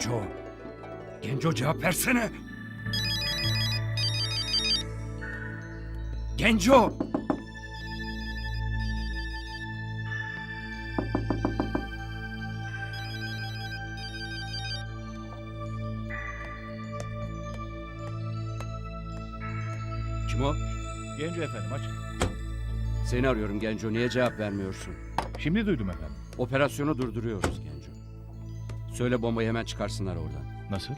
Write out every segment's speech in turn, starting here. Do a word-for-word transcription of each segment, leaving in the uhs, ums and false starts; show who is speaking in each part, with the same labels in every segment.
Speaker 1: Genco. Genco cevap versene. Genco. Kim o?
Speaker 2: Genco efendim, aç.
Speaker 1: Seni arıyorum Genco. Niye cevap vermiyorsun?
Speaker 2: Şimdi duydum efendim.
Speaker 1: Operasyonu durduruyoruz Genco. Söyle bombayı hemen çıkarsınlar oradan.
Speaker 2: Nasıl?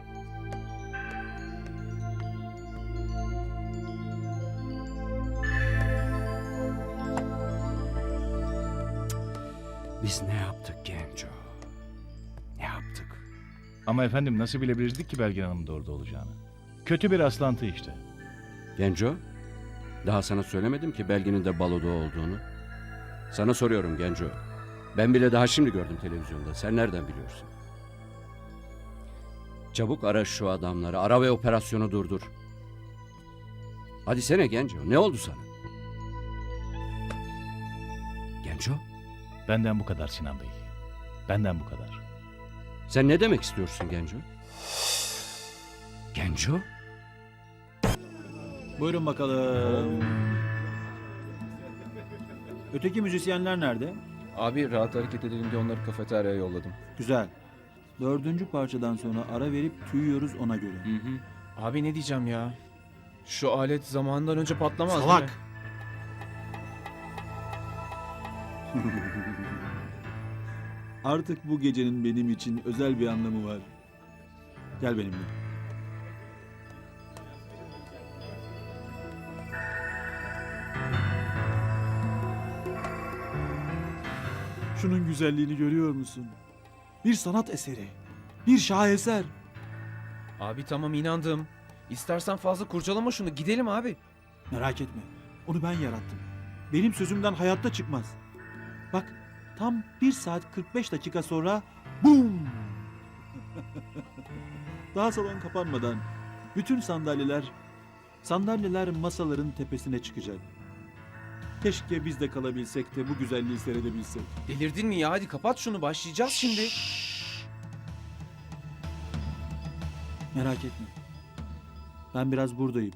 Speaker 1: Biz ne yaptık Genco? Ne yaptık?
Speaker 2: Ama efendim nasıl bilebilirdik ki Belgin Hanım'ın da orada olacağını? Kötü bir rastlantı işte.
Speaker 1: Genco, daha sana söylemedim ki Belgin'in de baloda olduğunu. Sana soruyorum Genco. Ben bile daha şimdi gördüm televizyonda. Sen nereden biliyorsun? Çabuk ara şu adamları. Ara ve operasyonu durdur. Hadi sene Genco. Ne oldu sana? Genco,
Speaker 2: Benden bu kadar Sinan Bey. Benden bu kadar.
Speaker 1: sen ne demek istiyorsun Genco? Genco?
Speaker 3: Buyurun bakalım. Öteki müzisyenler nerede?
Speaker 4: Abi rahat hareket edelim diye onları kafeteryaya yolladım.
Speaker 3: Güzel. Dördüncü parçadan sonra ara verip tüyüyoruz ona göre.
Speaker 4: Hı hı. Abi ne diyeceğim ya? Şu alet zamanından önce patlamaz
Speaker 3: Salak!
Speaker 4: değil mi?
Speaker 3: Artık bu gecenin benim için özel bir anlamı var. Gel benimle. Şunun güzelliğini görüyor musun? Bir sanat eseri. Bir şaheser.
Speaker 4: Abi tamam inandım. İstersen fazla kurcalama şunu. Gidelim abi.
Speaker 3: Merak etme. Onu ben yarattım. Benim sözümden hayatta çıkmaz. Bak tam bir saat kırk beş dakika sonra BOOM! Daha salon kapanmadan bütün sandalyeler sandalyeler masaların tepesine çıkacak. Keşke biz de kalabilsek de bu güzelliği seyredebilsek.
Speaker 4: Delirdin mi ya? Hadi kapat şunu. Başlayacağız şimdi.
Speaker 3: Merak etme. Ben biraz buradayım.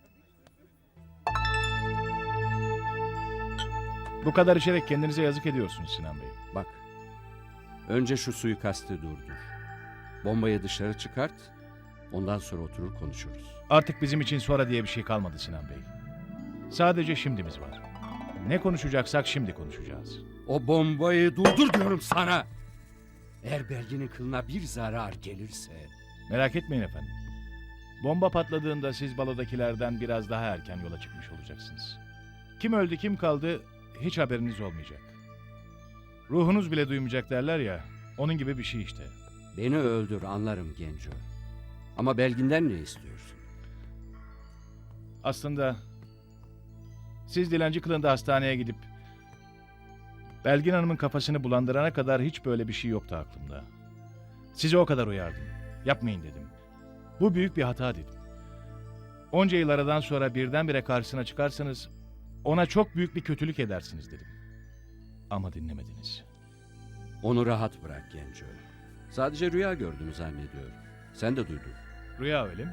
Speaker 2: Bu kadar içerek kendinize yazık ediyorsunuz Sinan Bey.
Speaker 1: Bak. Önce şu suikastı durdur. Bombayı dışarı çıkart. Ondan sonra oturur konuşuruz.
Speaker 2: Artık bizim için sonra diye bir şey kalmadı Sinan Bey. Sadece şimdimiz var. Ne konuşacaksak şimdi konuşacağız.
Speaker 1: O bombayı durdur diyorum sana. Eğer Belgin'in kılına bir zarar gelirse...
Speaker 2: Merak etmeyin efendim. Bomba patladığında siz balodakilerden biraz daha erken yola çıkmış olacaksınız. Kim öldü kim kaldı hiç haberiniz olmayacak. Ruhunuz bile duymayacak derler ya, onun gibi bir şey işte.
Speaker 1: Beni öldür anlarım Genco. Ama Belgin'den ne istiyorsun?
Speaker 2: Aslında siz dilenci kılığında hastaneye gidip Belgin Hanım'ın kafasını bulandırana kadar hiç böyle bir şey yoktu aklımda. Sizi o kadar uyardım. Yapmayın dedim. Bu büyük bir hata dedim. Onca yıl aradan sonra birdenbire karşısına çıkarsanız ona çok büyük bir kötülük edersiniz dedim. Ama dinlemediniz.
Speaker 1: Onu rahat bırak Genco. Sadece rüya gördüğünü zannediyorum. Sen de duydun.
Speaker 2: Rüya öyle mi?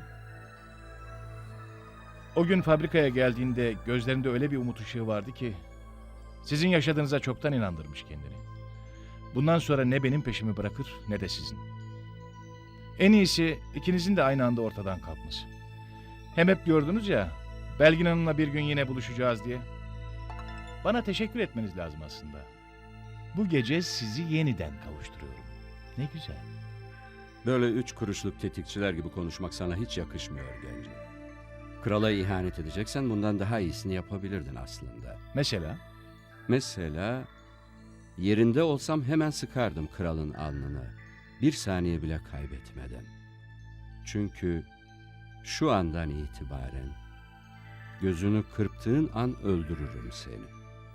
Speaker 2: O gün fabrikaya geldiğinde gözlerinde öyle bir umut ışığı vardı ki sizin yaşadığınıza çoktan inandırmış kendini. Bundan sonra ne benim peşimi bırakır ne de sizin. En iyisi ikinizin de aynı anda ortadan kalkması. Hem hep gördünüz ya Belgin Hanım'la bir gün yine buluşacağız diye. Bana teşekkür etmeniz lazım aslında. Bu gece sizi yeniden kavuşturuyorum. Ne güzel.
Speaker 1: Böyle üç kuruşluk tetikçiler gibi konuşmak sana hiç yakışmıyor Genco. Krala ihanet edeceksen bundan daha iyisini yapabilirdin aslında.
Speaker 2: Mesela
Speaker 1: Mesela yerinde olsam hemen sıkardım kralın alnını. Bir saniye bile kaybetmeden. Çünkü şu andan itibaren gözünü kırptığın an öldürürüm seni.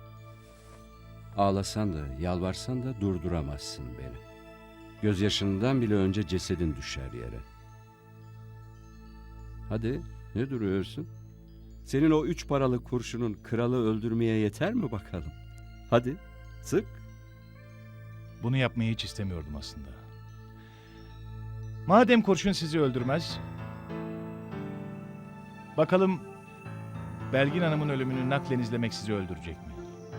Speaker 1: Ağlasan da yalvarsan da durduramazsın beni. Gözyaşından bile önce cesedin düşer yere. Hadi ne duruyorsun? Senin o üç paralık kurşunun kralı öldürmeye yeter mi bakalım? Hadi sık.
Speaker 2: bunu yapmayı hiç istemiyordum aslında. Madem kurşun sizi öldürmez, bakalım Belgin Hanım'ın ölümünü naklen izlemek sizi öldürecek mi?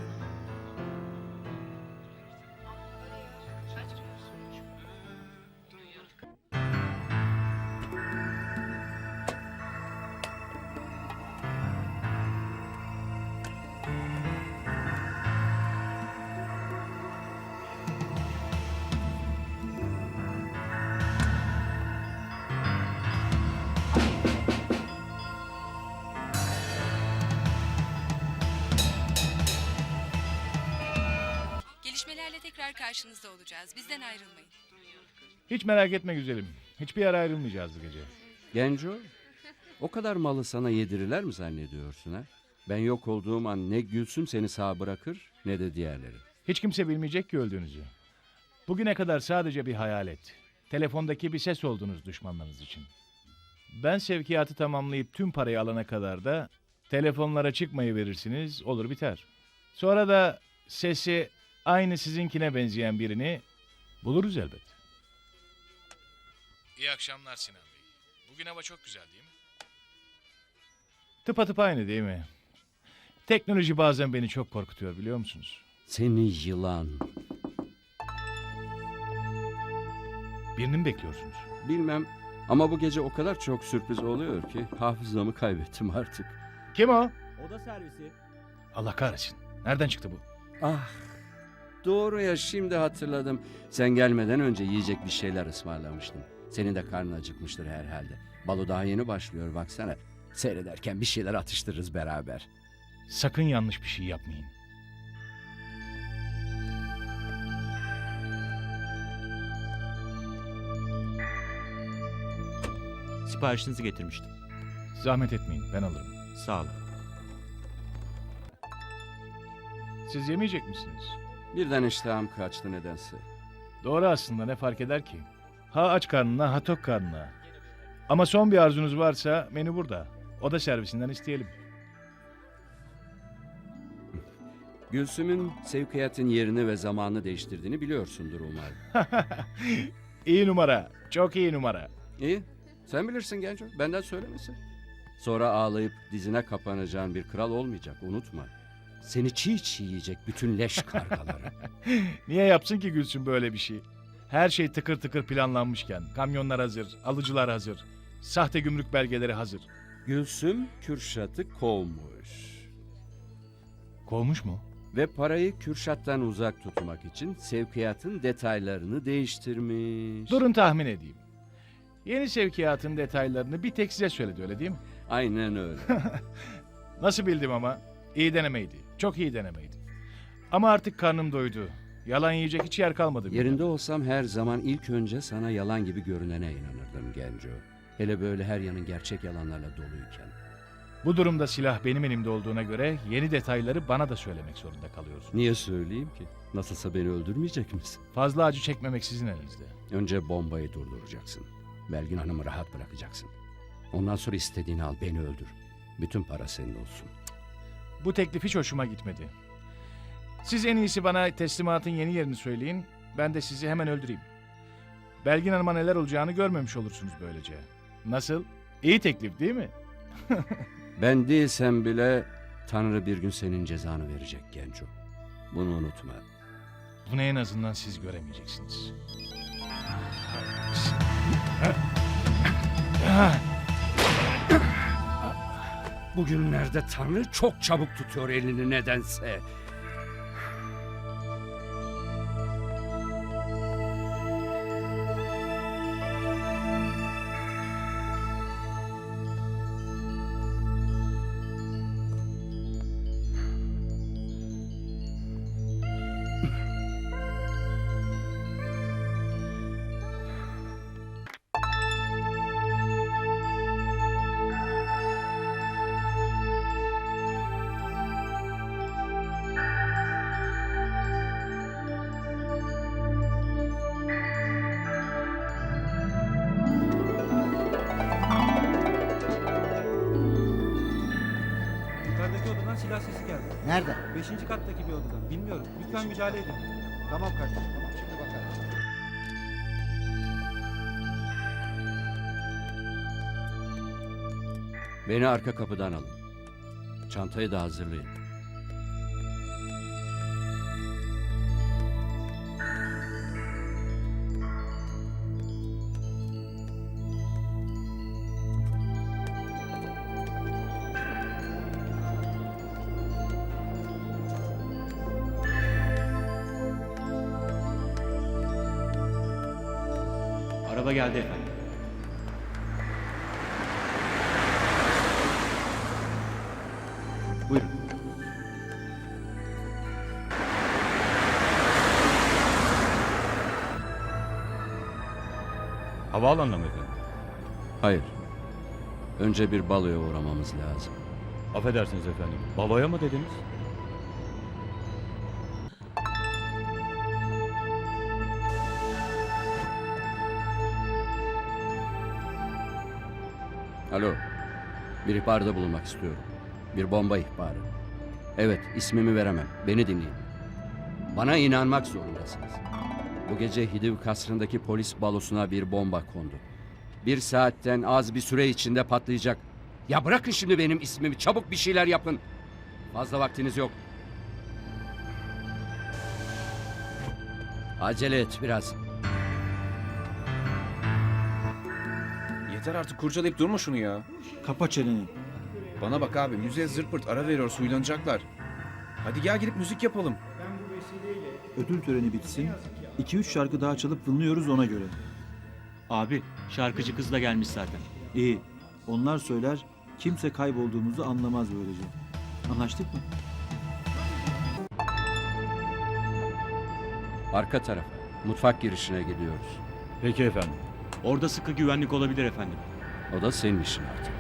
Speaker 5: Gelişmelerle tekrar karşınızda olacağız. Bizden ayrılmayın.
Speaker 2: Hiç merak etme güzelim. Hiçbir yere ayrılmayacağız bu gece.
Speaker 1: Genco, o kadar malı sana yedirirler mi zannediyorsun ha? Ben yok olduğum an ne Gülsüm seni sağ bırakır ne de diğerleri.
Speaker 2: Hiç kimse bilmeyecek ki öldüğünüzü. Bugüne kadar sadece bir hayalet. Telefondaki bir ses oldunuz düşmanlarınız için. Ben sevkiyatı tamamlayıp tüm parayı alana kadar da telefonlara çıkmayı verirsiniz, olur biter. Sonra da sesi aynı sizinkine benzeyen birini buluruz elbet. İyi akşamlar Sinan Bey. Bugün hava çok güzel değil mi? Tıpatıp aynı değil mi? Teknoloji bazen beni çok korkutuyor biliyor musunuz?
Speaker 1: Seni yılan.
Speaker 2: Birini mi bekliyorsunuz?
Speaker 1: Bilmem ama bu gece o kadar çok sürpriz oluyor ki hafızamı kaybettim artık.
Speaker 2: Kim o?
Speaker 6: Oda servisi.
Speaker 2: Allah kahretsin. Nereden çıktı bu?
Speaker 1: Ah, doğru ya, şimdi hatırladım. Sen gelmeden önce yiyecek bir şeyler ısmarlamıştım. Senin de karnın acıkmıştır herhalde. Balo daha yeni başlıyor baksana. Seyrederken bir şeyler atıştırırız beraber.
Speaker 2: Sakın yanlış bir şey yapmayın.
Speaker 6: Siparişinizi getirmiştim.
Speaker 2: Zahmet etmeyin, ben alırım.
Speaker 6: Sağ olun.
Speaker 2: Siz yemeyecek misiniz?
Speaker 1: Birden iştahım kaçtı nedense.
Speaker 2: Doğru aslında, ne fark eder ki? Ha aç karnına, ha tok karnına. Ama son bir arzunuz varsa menü burada. Oda servisinden isteyelim.
Speaker 1: Gülsüm'ün sevkiyatın yerini ve zamanını değiştirdiğini biliyorsundur umarım.
Speaker 2: İyi numara, çok iyi numara.
Speaker 1: İyi, sen bilirsin Genco, benden söylemesi. Sonra ağlayıp dizine kapanacağın bir kral olmayacak, unutma. Seni çiğ çiğ yiyecek bütün leş kargaları.
Speaker 2: Niye yapsın ki Gülsün böyle bir şey? Her şey tıkır tıkır planlanmışken, kamyonlar hazır, alıcılar hazır, sahte gümrük belgeleri hazır.
Speaker 1: Gülsüm Kürşat'ı kovmuş.
Speaker 2: Kovmuş mu?
Speaker 1: Ve parayı Kürşat'tan uzak tutmak için sevkiyatın detaylarını değiştirmiş.
Speaker 2: Durun tahmin edeyim. Yeni sevkiyatın detaylarını bir tek size söyledi, öyle değil mi?
Speaker 1: Aynen öyle.
Speaker 2: Nasıl bildim ama? İyi denemeydi. Çok iyi denemeydi. Ama artık karnım doydu. Yalan yiyecek hiç yer kalmadı. bile.
Speaker 1: Yerinde olsam her zaman ilk önce sana yalan gibi görünene inanırdım Genco. Hele böyle her yanın gerçek yalanlarla doluyken.
Speaker 2: Bu durumda silah benim elimde olduğuna göre yeni detayları bana da söylemek zorunda kalıyorsun.
Speaker 1: Niye söyleyeyim ki? Nasılsa beni öldürmeyecek misin?
Speaker 2: Fazla acı çekmemek sizin elinizde.
Speaker 1: Önce bombayı durduracaksın. Belgin Hanım'ı rahat bırakacaksın. Ondan sonra istediğini al, beni öldür. Bütün para senin olsun.
Speaker 2: Bu teklif hiç hoşuma gitmedi. Siz en iyisi bana teslimatın yeni yerini söyleyin. Ben de sizi hemen öldüreyim. Belgin Hanım'a neler olacağını görmemiş olursunuz böylece. Nasıl? İyi teklif değil mi?
Speaker 1: Ben değilsem bile Tanrı bir gün senin cezanı verecek Genco. Bunu unutma.
Speaker 2: Bunu en azından siz göremeyeceksiniz.
Speaker 1: Bugünlerde Tanrı çok çabuk tutuyor elini nedense.
Speaker 7: Yukarıdaki odadan silah sesi geldi.
Speaker 8: Nerede?
Speaker 7: Beşinci kattaki bir odadan. Bilmiyorum. Lütfen müdahale edin.
Speaker 8: Tamam kardeşim, tamam şimdi bakarız.
Speaker 1: Beni arka kapıdan alın. Çantayı da hazırlayın.
Speaker 6: Araba geldi efendim.
Speaker 1: Buyurun.
Speaker 2: Havaalanına mı efendim?
Speaker 1: Hayır. Önce bir baloya uğramamız lazım.
Speaker 2: Affedersiniz efendim. Baloya mı dediniz?
Speaker 1: Alo. Bir ihbarda bulunmak istiyorum. Bir bomba ihbarı. Evet, ismimi veremem. Beni dinleyin. Bana inanmak zorundasınız. Bu gece Hidiv kasrındaki polis balosuna bir bomba kondu. Bir saatten az bir süre içinde patlayacak. Ya bırakın şimdi benim ismimi. Çabuk bir şeyler yapın. Fazla vaktiniz yok. Acele et biraz.
Speaker 4: Yeter artık kurcalayıp durma şunu ya.
Speaker 3: Kapa çeneni.
Speaker 4: Bana bak abi, müziğe zırt pırt ara veriyor, huylanacaklar. Hadi gel gidip müzik yapalım.
Speaker 3: Ödül töreni bitsin. iki üç şarkı daha çalıp dinliyoruz ona göre.
Speaker 6: Abi şarkıcı kız da gelmiş zaten.
Speaker 3: İyi. Onlar söyler, kimse kaybolduğumuzu anlamaz böylece. Anlaştık mı?
Speaker 1: Arka tarafa. Mutfak girişine gidiyoruz.
Speaker 2: Peki efendim.
Speaker 6: Orada sıkı güvenlik olabilir efendim.
Speaker 1: O da senin işin artık.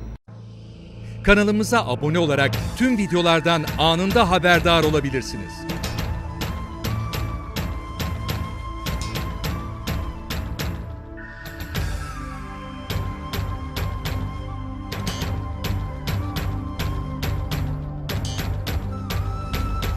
Speaker 8: Kanalımıza abone olarak tüm videolardan anında haberdar olabilirsiniz.